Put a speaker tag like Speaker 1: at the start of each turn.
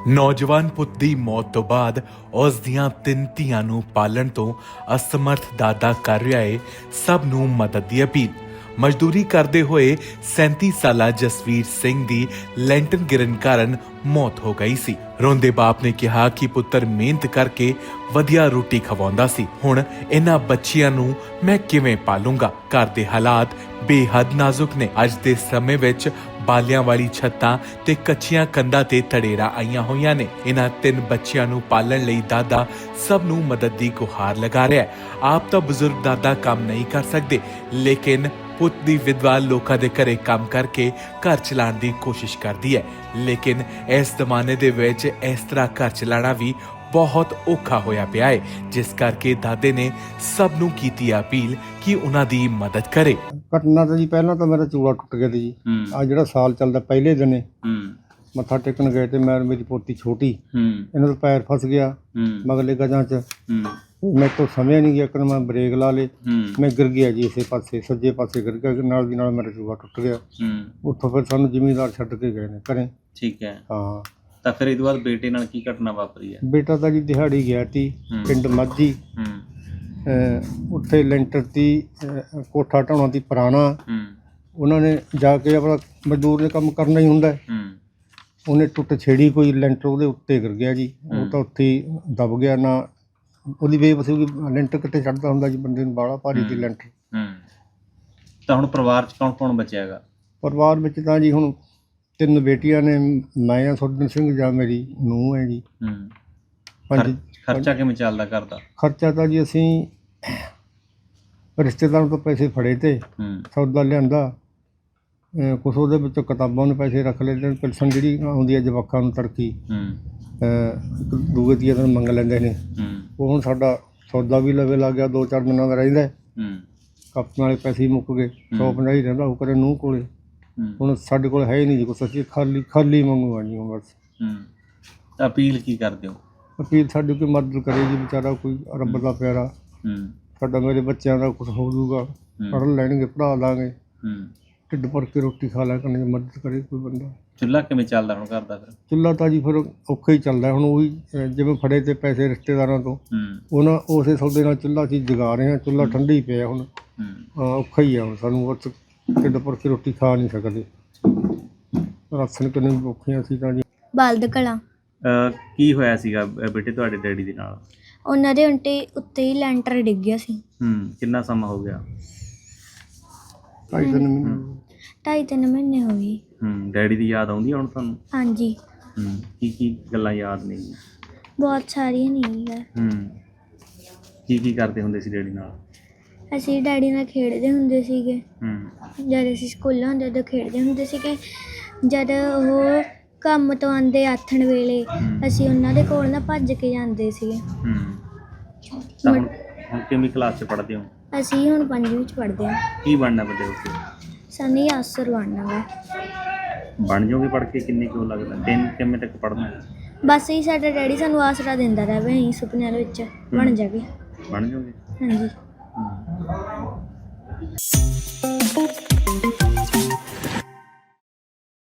Speaker 1: ਨੌਜਵਾਨ ਪੁੱਤ ਦੀ ਮੌਤ ਤੋਂ ਬਾਅਦ ਉਸ ਦੀਆਂ 3 ਧੀਆਂ ਨੂੰ ਪਾਲਣ ਤੋਂ ਅਸਮਰਥ ਦਾਦਾ ਕਰ ਰਿਹਾ ਹੈ ਸਭ ਨੂੰ ਮਦਦ ਦੀ ਅਪੀਲ। ਮਜ਼ਦੂਰੀ ਕਰਦੇ ਹੋਏ 37 ਸਾਲਾ ਜਸਵੀਰ ਸਿੰਘ ਦੀ ਲੈਂਟਰ ਗਿਰਨ ਕਾਰਨ ਮੌਤ ਹੋ ਗਈ ਸੀ। ਰੋਂਦੇ ਬਾਪ ਨੇ ਕਿਹਾ ਕਿ ਪੁੱਤਰ ਮਿਹਨਤ ਕਰਕੇ ਵਧੀਆ ਰੋਟੀ ਖਵਾਉਂਦਾ ਸੀ, ਹੁਣ ਇਹਨਾਂ ਬੱਚਿਆਂ ਨੂੰ ਮੈਂ ਕਿਵੇਂ ਪਾਲੂੰਗਾ। ਘਰ ਦੇ ਹਾਲਾਤ ਬੇਹੱਦ ਨਾਜ਼ੁਕ ਨੇ। ਅੱਜ ਦੇ ਸਮੇਂ ਵਿੱਚ ਬਾਲਿਆਂ ਵਾਲੀ ਛੱਤਾਂ ਤੇ ਕੱਚੀਆਂ ਕੰਧਾਂ ਤੇ ਤੜੇਰਾਂ ਆਈਆਂ ਹੋਈਆਂ ਨੇ। ਇਹਨਾਂ 3 ਬੱਚਿਆਂ ਨੂੰ ਪਾਲਣ ਲਈ ਦਾਦਾ ਸਭ ਨੂੰ ਮਦਦ ਦੀ ਗੁਹਾਰ ਲਗਾ ਰਿਹਾ ਹੈ। ਆਪ ਤਾਂ ਬਜ਼ੁਰਗ ਦਾਦਾ ਕੰਮ ਨਹੀਂ ਕਰ ਸਕਦੇ, ਲੇਕਿਨ ਪੁੱਤ ਦੀ ਵਿਧਵਾ ਲੋਕਾਂ ਦੇ ਘਰੇ ਕੰਮ ਕਰਕੇ ਘਰ ਚਲਾਉਣ ਦੀ ਕੋਸ਼ਿਸ਼ ਕਰਦੀ ਹੈ। ਲੇਕਿਨ ਇਸ ਜ਼ਮਾਨੇ ਦੇ ਵਿੱਚ ਇਸ ਤਰ੍ਹਾਂ ਘਰ ਚਲਾਉਣਾ ਵੀ ਬਹੁਤ ਔਖਾ ਹੋਇਆ ਪਿਆ ਹੈ, ਜਿਸ ਕਰਕੇ ਦਾਦੇ ਨੇ ਸਭ ਨੂੰ ਕੀਤੀ ਅਪੀਲ ਕਿ ਉਹਨਾਂ ਦੀ ਮਦਦ ਕਰੇ।
Speaker 2: ਘਟਨਾ ਤਾਂ ਜੀ ਪਹਿਲਾਂ ਤਾਂ ਮੇਰਾ ਚੂੜਾ ਟੁੱਟ ਗਿਆ ਸੀ ਜੀ। ਆ ਜਿਹੜਾ ਸਾਲ ਚੱਲਦਾ ਪਹਿਲੇ ਦਿਨੇ ਮੱਥਾ ਟੇਕਣ ਗਏ ਤੇ ਮੈਂ ਮੇਰੀ ਪੋਤੀ ਛੋਟੀ, ਇਹਨਾਂ ਦਾ ਪੈਰ ਫਸ ਗਿਆ ਮਗਲੇ ਗਜਾਂ 'ਚ। ਮੇਰੇ ਤੋਂ ਸਮਝ ਨਹੀਂ ਗਿਆ ਕਿ ਮੈਂ ਬ੍ਰੇਕ ਲਾ ਲੇ, ਮੈਂ ਗਿਰ ਗਿਆ ਜੀ ਇਸੇ ਪਾਸੇ, ਸੱਜੇ ਪਾਸੇ ਗਿਰ ਗਿਆ। ਨਾਲ ਦੀ ਨਾਲ ਮੇਰਾ ਚੂੜਾ ਟੁੱਟ ਗਿਆ। ਉੱਥੋਂ ਫਿਰ ਸਾਨੂੰ ਜ਼ਿਮੀਂਦਾਰ ਛੱਡ ਕੇ ਗਏ ਨੇ ਘਰੇ।
Speaker 3: ਠੀਕ ਹੈ।
Speaker 2: ਹਾਂ,
Speaker 3: ਤਾਂ ਫਿਰ ਇਹ ਤੋਂ ਬਾਅਦ ਬੇਟੇ ਨਾਲ ਕੀ ਘਟਨਾ ਵਾਪਰੀ ਹੈ?
Speaker 2: ਬੇਟਾ ਤਾਂ ਜੀ ਦਿਹਾੜੀ ਗਿਆ ਸੀ ਪਿੰਡ ਮਾਝੀ। ਉੱਥੇ ਲੈਂਟਰ ਦੀ ਕੋਠਾ ਢਾਉਣਾ ਦੀ ਪੁਰਾਣਾ, ਉਹਨਾਂ ਨੇ ਜਾ ਕੇ ਆਪਣਾ ਮਜ਼ਦੂਰ ਨੇ ਕੰਮ ਕਰਨਾ ਹੀ ਹੁੰਦਾ। ਉਹਨੇ ਟੁੱਟ ਛੇੜੀ ਕੋਈ ਲੈਂਟਰ ਉਹਦੇ ਉੱਤੇ ਗਿਰ ਗਿਆ ਜੀ। ਉਹ ਤਾਂ ਉੱਥੇ ਹੀ ਦਬ ਗਿਆ। ਨਾ ਉਹਦੀ ਬੇਵਸੀ ਕਿ ਲੈਂਟਰ ਕਿੱਥੇ ਚੜ੍ਹਦਾ ਹੁੰਦਾ ਜੀ, ਬੰਦੇ ਨੂੰ ਬਾਹਲਾ ਭਾਰੀ ਸੀ ਲੈਂਟਰ।
Speaker 3: ਤਾਂ ਹੁਣ ਪਰਿਵਾਰ 'ਚ ਕੌਣ ਕੌਣ ਬਚਿਆ ਹੈਗਾ?
Speaker 2: ਪਰਿਵਾਰ ਵਿੱਚ ਤਾਂ ਜੀ ਹੁਣ 3 ਬੇਟੀਆਂ ਨੇ, ਮੈਂ ਆ ਸੁਰਜਨ ਸਿੰਘ ਜਾਂ ਮੇਰੀ ਨੂੰਹ ਹੈ ਜੀ।
Speaker 3: ਖਰਚਾ ਕਿਵੇਂ ਚੱਲਦਾ ਘਰ ਦਾ?
Speaker 2: ਖਰਚਾ ਤਾਂ ਜੀ ਅਸੀਂ ਰਿਸ਼ਤੇਦਾਰਾਂ ਤੋਂ ਪੈਸੇ ਫੜੇ ਤੇ ਸੌਦਾ ਲਿਆਂਦਾ। ਕੁਛ ਉਹਦੇ ਵਿੱਚੋਂ ਕਿਤਾਬਾਂ ਨੂੰ ਪੈਸੇ ਰੱਖ ਲਏ ਤੇ ਪੈਨਸ਼ਨ ਜਿਹੜੀ ਆਉਂਦੀ ਹੈ ਜਵਾਕਾਂ ਨੂੰ ਤੜਕੀ ਦੂਏ ਤੀਏ ਦਿਨ ਮੰਗ ਲੈਂਦੇ ਨੇ। ਉਹ ਹੁਣ ਸਾਡਾ ਸੌਦਾ ਵੀ ਲਵੇ ਲੱਗ ਗਿਆ, 2-4 ਦਿਨਾਂ ਦਾ ਰਹਿੰਦਾ। ਕੱਪਾਂ ਵਾਲੇ ਪੈਸੇ ਮੁੱਕ ਗਏ, 150 ਹੀ ਰਹਿੰਦਾ ਉਹ ਕਰੇ ਨੂੰਹ ਕੋਲੇ। ਹੁਣ ਸਾਡੇ ਕੋਲ ਹੈ ਹੀ ਨਹੀਂ ਜੀ ਕੁਛ, ਅਸੀਂ ਖਾਲੀ ਮੰਗੂ ਆ ਜੀ ਬਸ।
Speaker 3: ਅਪੀਲ ਕੀ ਕਰਦੇ ਹੋ?
Speaker 2: ਅਪੀਲ ਸਾਡੀ ਕੋਈ ਮਦਦ ਕਰੇ ਜੀ, ਵਿਚਾਰਾ ਕੋਈ ਰੱਬ ਦਾ ਪਿਆਰਾ। ਸਾਡਾ ਮੇਰੇ ਬੱਚਿਆਂ ਦਾ ਕੁਛ ਹੋ ਜਾਊਗਾ, ਪੜ੍ਹ ਲੈਣਗੇ, ਪੜ੍ਹਾ ਲਾਂਗੇ, ਢਿੱਡ ਭਰ ਕੇ ਰੋਟੀ ਖਾ ਲਿਆ ਕਰਨਗੇ। ਮਦਦ ਕਰੇ ਕੋਈ ਬੰਦਾ।
Speaker 3: ਚੁੱਲ੍ਹਾ ਕਿਵੇਂ ਚੱਲਦਾ ਹੁਣ ਘਰ ਦਾ? ਫਿਰ ਚੁੱਲ੍ਹਾ
Speaker 2: ਤਾਂ ਜੀ ਫਿਰ ਔਖਾ ਹੀ ਚੱਲਦਾ। ਹੁਣ ਉਹੀ ਜਿਵੇਂ ਫੜੇ ਤੇ ਪੈਸੇ ਰਿਸ਼ਤੇਦਾਰਾਂ ਤੋਂ, ਉਹਨਾਂ ਉਸੇ ਸੌਦੇ ਨਾਲ ਚੁੱਲ੍ਹਾ ਅਸੀਂ ਜਗਾ ਰਹੇ ਹਾਂ। ਚੁੱਲ੍ਹਾ ਠੰਡਾ ਹੀ ਪਿਆ ਹੁਣ, ਔਖਾ ਹੀ ਆ ਹੁਣ ਸਾਨੂੰ। ਬਸ ਢਿੱਡ ਭਰ ਕੇ ਰੋਟੀ ਖਾ ਨਹੀਂ ਸਕਦੇ, ਰਾਸ਼ਨ ਕਿੰਨੇ ਔਖੇ ਅਸੀਂ ਤਾਂ ਜੀ।
Speaker 4: ਬਲਦ ਕਲਾਂ।
Speaker 3: ਕੀ ਹੋਇਆ ਸੀਗਾ ਬੇਟੇ ਤੁਹਾਡੇ ਡੈਡੀ ਦੇ ਨਾਲ?
Speaker 4: ਉਹਨਾਂ ਦੇ ਉੱਤੇ ਹੀ ਲੈਂਟਰ ਡਿੱਗ ਗਿਆ ਸੀ।
Speaker 3: ਕਿੰਨਾ ਸਮਾਂ ਹੋ ਗਿਆ?
Speaker 4: 2.5-3 ਮਹੀਨੇ ਹੋ ਗਏ।
Speaker 3: ਡੈਡੀ ਦੀ ਯਾਦ ਆਉਂਦੀ ਹੁਣ ਤੁਹਾਨੂੰ?
Speaker 4: ਹਾਂਜੀ।
Speaker 3: ਕੀ ਗੱਲਾਂ ਯਾਦ ਨੇ?
Speaker 4: ਬਹੁਤ ਸਾਰੀਆਂ ਨਹੀਂ ਯਾਰ।
Speaker 3: ਕੀ ਕਰਦੇ ਹੁੰਦੇ ਸੀ ਡੈਡੀ ਨਾਲ?
Speaker 4: ਅਸੀਂ ਡੈਡੀ ਨਾਲ ਖੇਡਦੇ ਹੁੰਦੇ ਸੀਗੇ। ਜਦ ਅਸੀਂ ਸਕੂਲਾਂ ਹੁੰਦੇ ਉਦੋਂ ਖੇਡਦੇ ਹੁੰਦੇ ਸੀਗੇ। ਜਦ ਉਹ ਕੰਮ ਤੋਂ ਆਉਂਦੇ ਆਥਣ ਵੇਲੇ ਅਸੀਂ ਉਹਨਾਂ ਦੇ ਕੋਲ ਨਾ ਭੱਜ ਕੇ ਜਾਂਦੇ ਸੀਗੇ।
Speaker 3: ਹੁਣ ਕਿੰਨੀ ਕਲਾਸ 'ਚ ਪੜ੍ਹਦੇ ਹੋ?
Speaker 4: ਅਸੀਂ ਹੁਣ 5ਵੀਂ ਵਿੱਚ ਪੜ੍ਹਦੇ ਹਾਂ।
Speaker 3: ਕੀ ਬਣਨਾ ਵੱਡੇ ਹੋ ਕੇ?
Speaker 4: ਸਾਨੂੰ ਅਫਸਰ ਬਣਨਾ ਵਾ।
Speaker 3: ਬਣ ਜਾਓਗੇ ਪੜ੍ਹ ਕੇ? ਕਿੰਨੇ ਕਿਉਂ ਲੱਗਦਾ? ਕਿੰਨੇ ਤੱਕ ਪੜ੍ਹਨਾ?
Speaker 4: ਬਸ ਹੀ ਸਾਡਾ ਡੈਡੀ ਸਾਨੂੰ ਆਸਰਾ ਦਿੰਦਾ ਰਹੇ, ਅਸੀਂ ਸੁਪਨਿਆਂ ਦੇ ਵਿੱਚ ਬਣ ਜਾਗੇ।
Speaker 3: ਬਣ ਜਾਓਗੇ?
Speaker 4: ਹਾਂਜੀ।